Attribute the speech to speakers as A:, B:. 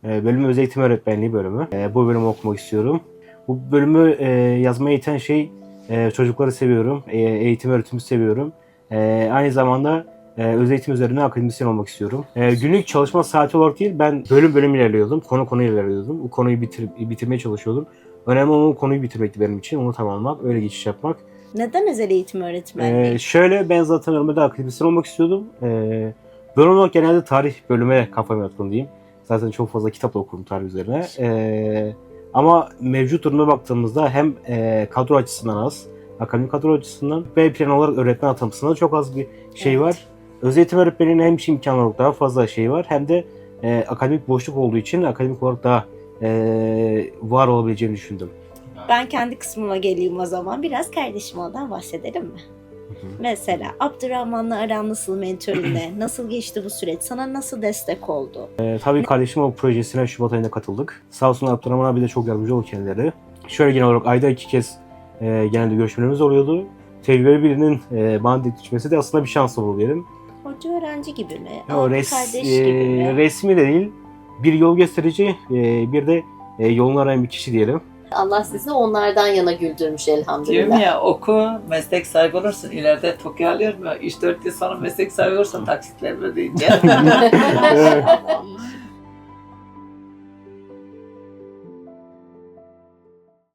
A: Bölümü Öz Eğitim Öğretmenliği bölümü. Bu bölümü okumak istiyorum. Bu bölümü yazmaya iten şey çocukları seviyorum, eğitim öğretimi seviyorum. Aynı zamanda öz eğitim üzerine akademisyen olmak istiyorum. Günlük çalışma saati olarak değil, ben bölüm bölüm ilerliyordum, konu ilerliyordum. Bu konuyu bitirmeye çalışıyordum. Önemli olan o konuyu bitirmekti benim için, onu tamamlamak, öyle geçiş yapmak.
B: Neden özel eğitim öğretmenliği?
A: Şöyle, ben zaten normalde akademisyen olmak istiyordum. Bölüm olarak genelde tarih bölüme kafam yatkın diyeyim. Zaten çok fazla kitap da okurum tarih üzerine. Ama mevcut duruma baktığımızda hem kadro açısından az, akademik kadro açısından B plan olarak öğretmen atamasında çok az bir şey var. Öz eğitim öğretmeninin hem iş imkanı olarak daha fazla şey var, hem de akademik boşluk olduğu için akademik olarak daha var olabileceğini düşündüm.
B: Ben kendi kısmıma geleyim o zaman. Biraz kardeşim ondan bahsedelim mi? Mesela Abdurrahman'la aran nasıl, mentörünle? Nasıl geçti bu süreç? Sana nasıl destek oldu?
A: Tabii kardeşim o projesine Şubat ayında katıldık. Sağ olsun Abdurrahman abi de çok yardımcı oldu kendileri. Şöyle genel olarak ayda 2 kez genelde görüşmelerimiz oluyordu. Tecrübeli birinin bana düşmesi de aslında bir şans oldu diyelim.
B: Hoca öğrenci gibi mi?
A: O
B: Abi kardeş gibi mi?
A: resmi de değil, bir yol gösterici, bir de yolunu arayan bir kişi diyelim.
C: Allah sizi onlardan yana güldürmüş
D: Diyorum
C: elhamdülillah.
D: ya, oku, meslek sahibi olursun. İleride TOKİ alıyorum ya, 3-4 yıl sonra meslek sahibi olursan taksitler ödeyince.